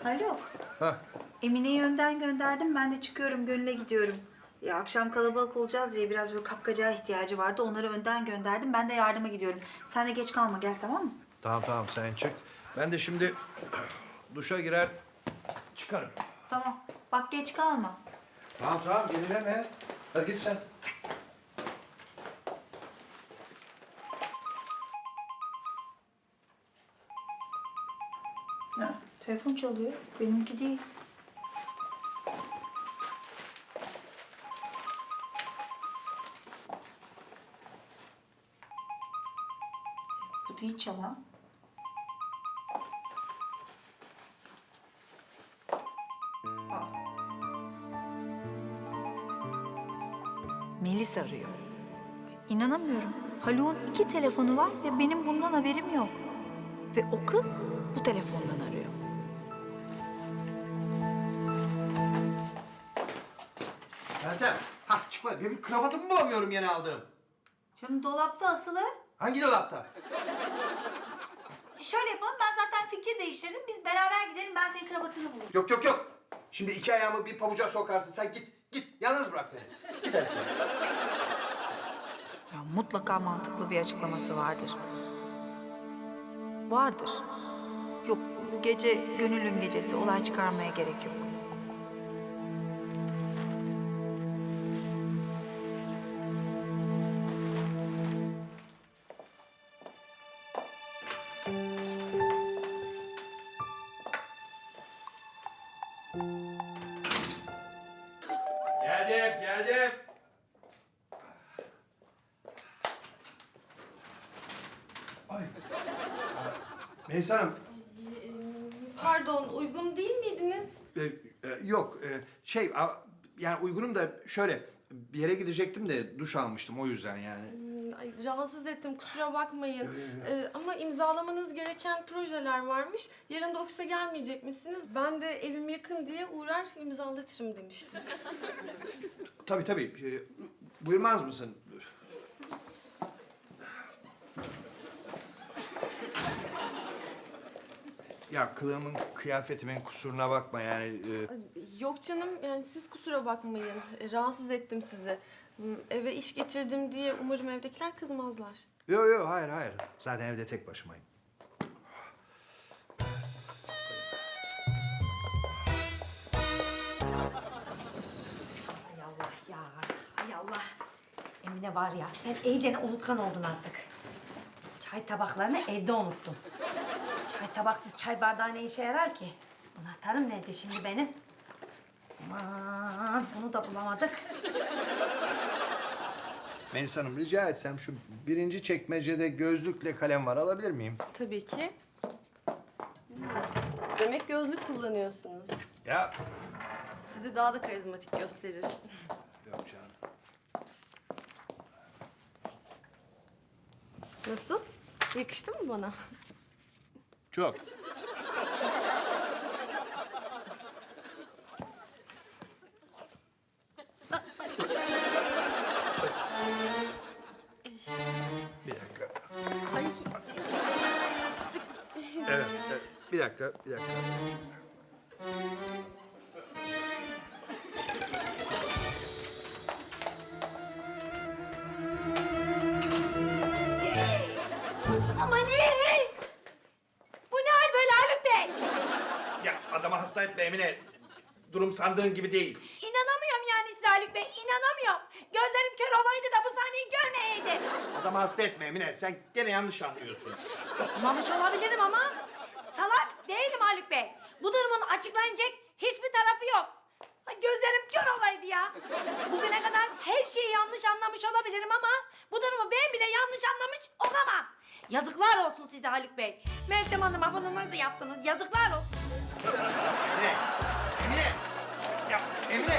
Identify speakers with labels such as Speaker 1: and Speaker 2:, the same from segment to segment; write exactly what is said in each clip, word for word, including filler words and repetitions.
Speaker 1: Alo.
Speaker 2: Hah.
Speaker 1: Emine'yi önden gönderdim. Ben de çıkıyorum. Gönül'e gidiyorum. Ya akşam kalabalık olacağız diye biraz böyle kapkacağa ihtiyacı vardı. Onları önden gönderdim. Ben de yardıma gidiyorum. Sen de geç kalma. Gel, tamam mı?
Speaker 2: Tamam tamam sen çık. Ben de şimdi duşa girer çıkarım.
Speaker 1: Tamam. Bak geç kalma.
Speaker 2: Tamam tamam yenileme. Hadi git sen.
Speaker 1: Ha, telefon çalıyor. Benimki değil. Bu değil çalan. Aa. Melis arıyor. İnanamıyorum. Haluk'un iki telefonu var ve benim bundan haberim yok. Ve o kız bu telefondan arıyor.
Speaker 2: Meltem. Hah çıkma. Benim kravatımı bulamıyorum yeni aldığım.
Speaker 1: Canım dolapta asılı.
Speaker 2: Hangi dolapta?
Speaker 1: Şöyle yapalım, ben zaten fikir değiştirdim. Biz beraber gidelim, ben senin kravatını bulurum.
Speaker 2: Yok yok yok. Şimdi iki ayağımı bir pabuca sokarsın. Sen git git. Yalnız bırak beni. Gider sen.
Speaker 1: Ya mutlaka mantıklı bir açıklaması vardır. Vardır. Yok, bu gece Gönül'ün gecesi. Olay çıkarmaya gerek yok.
Speaker 2: Geldim geldim. Ay. Melis Hanım.
Speaker 3: Pardon, uygun değil miydiniz?
Speaker 2: e, e, yok e, şey a- yani uygunum da şöyle bir yere gidecektim de duş almıştım o yüzden yani.
Speaker 3: Hmm, Ay, rahatsız ettim, kusura bakmayın. Ee, ama imzalamanız gereken projeler varmış. Yarın da ofise gelmeyecek misiniz? Ben de evim yakın diye uğrar imzalatırım demiştim.
Speaker 2: Tabii tabii. E, buyurmaz mısın? Ya kılığımın, kıyafetimin kusuruna bakma yani. e,
Speaker 3: Ay, Yok canım, yani siz kusura bakmayın. Ee, rahatsız ettim sizi. Hmm, Eve iş getirdim diye umarım evdekiler kızmazlar.
Speaker 2: Yok yok hayır hayır. Zaten evde tek başımayım.
Speaker 4: Hay Allah ya, hay Allah. Emine var ya, sen iyicene unutkan oldun artık. Çay tabaklarını evde unuttun. Çay tabaksız çay bardağı ne işe yarar ki? Anahtarım nerede şimdi benim? Aman, bunu da bulamadık.
Speaker 2: Melis Hanım rica etsem şu birinci çekmecede gözlükle kalem var alabilir miyim?
Speaker 3: Tabii ki. Hmm, Demek gözlük kullanıyorsunuz.
Speaker 2: Ya.
Speaker 3: Sizi daha da karizmatik gösterir.
Speaker 2: Yok canım.
Speaker 3: Nasıl? Yakıştı mı bana?
Speaker 2: Çok. Bir dakika.
Speaker 3: Ay,
Speaker 2: Evet, evet. Bir dakika, bir dakika.
Speaker 4: Ama ne? Bu ne hal böyle Haluk Bey?
Speaker 2: Ya adamı hasta etme Emine. Durum sandığın gibi değil.
Speaker 4: İnanamıyorum yani size Haluk Bey, inanamıyorum. Gözlerim kör olaydı da bu sahneyi görmeyeydi.
Speaker 2: Adamı hasta etme Emine. Sen gene yanlış anlıyorsun.
Speaker 4: Yapmamış olabilirim ama salak değilim Haluk Bey. Bu durumun açıklanacak hiçbir tarafı yok. Ay, gözlerim kör olaydı ya. Bugüne kadar her şeyi yanlış anlamış olabilirim ama bu durumu ben bile yanlış anlamış olamam. Yazıklar olsun size Haluk Bey. Meltem Hanım'a bunu nasıl yaptınız? Yazıklar olsun.
Speaker 2: Emine! Emine! Ya Emine!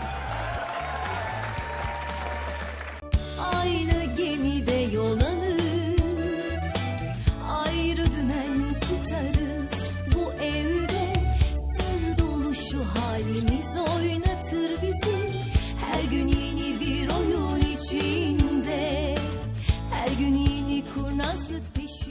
Speaker 5: Aynı gemide yol alır, ayrı dümen tutarız. Bu evde sır dolu şu halimiz oynatır bizi. Her gün yeni bir oyun içinde, her gün yeni kurnazlık peşinde.